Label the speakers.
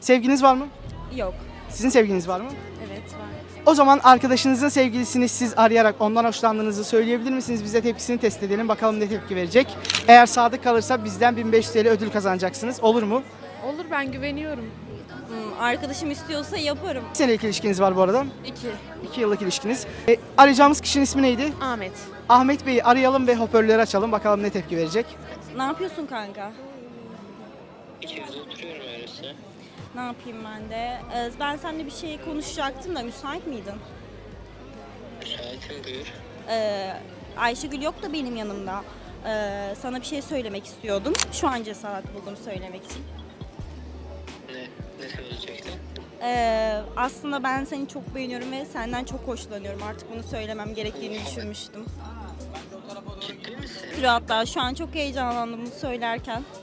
Speaker 1: Sevginiz var mı?
Speaker 2: Yok.
Speaker 1: Sizin sevginiz var mı?
Speaker 2: Evet var.
Speaker 1: O zaman arkadaşınızın sevgilisini siz arayarak ondan hoşlandığınızı söyleyebilir misiniz? Biz de tepkisini test edelim. Bakalım ne tepki verecek. Eğer sadık kalırsa bizden 1500 TL ödül kazanacaksınız. Olur mu?
Speaker 3: Olur, ben güveniyorum.
Speaker 2: Arkadaşım istiyorsa yaparım.
Speaker 1: Kaç senelik ilişkiniz var bu arada?
Speaker 3: 2.
Speaker 1: 2 yıllık ilişkiniz. Arayacağımız kişinin ismi neydi?
Speaker 3: Ahmet.
Speaker 1: Ahmet Bey'i arayalım ve hoparlörü açalım. Bakalım ne tepki verecek.
Speaker 2: Ne yapıyorsun kanka?
Speaker 4: İçeride oturuyorum öyleyse.
Speaker 2: Ne yapayım ben de? Ben seninle bir şey konuşacaktım da müsait miydin?
Speaker 4: Müsaitim, buyur.
Speaker 2: Ayşegül yok da benim yanımda. Sana bir şey söylemek istiyordum. Şu an cesaret buldum söylemek için.
Speaker 4: Ne söyleyecektin?
Speaker 2: Aslında ben seni çok beğeniyorum ve senden çok hoşlanıyorum. Artık bunu söylemem gerektiğini düşünmüştüm.
Speaker 4: Ciddi misin?
Speaker 2: Hatta şu an çok heyecanlandım bunu söylerken.